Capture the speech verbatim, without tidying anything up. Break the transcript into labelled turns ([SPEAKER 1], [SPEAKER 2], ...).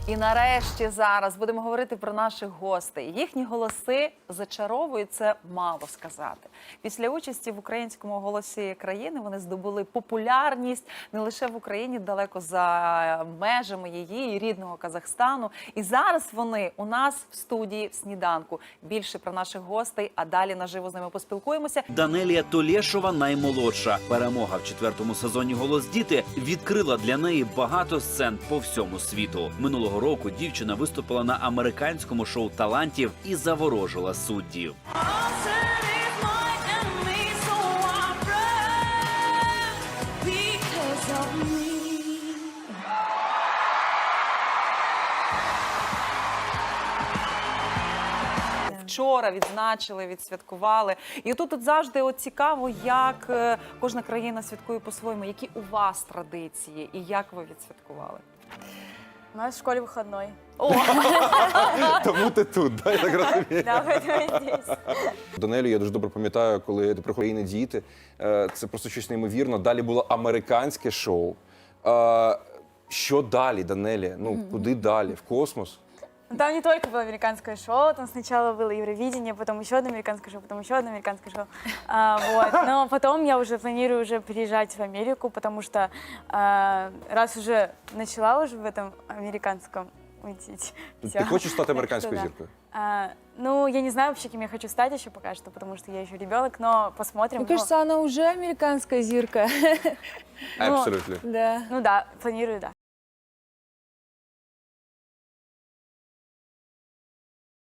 [SPEAKER 1] І нарешті зараз будемо говорити про наших гостей. Їхні голоси зачаровують, це мало сказати. Після участі в українському голосі країни вони здобули популярність не лише в Україні, далеко за межами її і рідного Казахстану. І зараз вони у нас в студії в сніданку. Більше про наших гостей, а далі наживо з ними поспілкуємося.
[SPEAKER 2] Данелія Толєшова наймолодша. Перемога в четвертому сезоні «Голос діти» відкрила для неї багато сцен по всьому світу. Минулого року дівчина виступила на американському шоу талантів і заворожила суддів.
[SPEAKER 1] Вчора відзначили, відсвяткували. І тут, тут завжди от цікаво, як е, кожна країна святкує по-своєму. Які у вас традиції і як ви відсвяткували?
[SPEAKER 3] У нас в школе выходной.
[SPEAKER 1] О!
[SPEAKER 4] Тому ти тут, да, я так розумію.
[SPEAKER 3] Да, поэтому здесь.
[SPEAKER 4] Данелю я дуже добре пам'ятаю, коли ти приходили діти. Е, Це просто щось неймовірно. Далі було американське шоу. Е, Що далі, Данелі? Ну, куди далі? В космос?
[SPEAKER 3] Ну, там не только было американское шоу, там сначала было Евровидение, потом еще одно американское шоу, потом еще одно американское шоу. А, вот. Но потом я уже планирую уже переезжать в Америку, потому что а, раз уже начала уже в этом американском уйти.
[SPEAKER 4] Ти хочеш стати американською зіркою?
[SPEAKER 3] А, ну, я не знаю вообще, кем я хочу стать еще пока что, потому что я еще ребенок, но посмотрим.
[SPEAKER 5] Мне кажется, она уже американская зирка.
[SPEAKER 4] Абсолютно.
[SPEAKER 5] Да.
[SPEAKER 3] Ну да, планирую, да.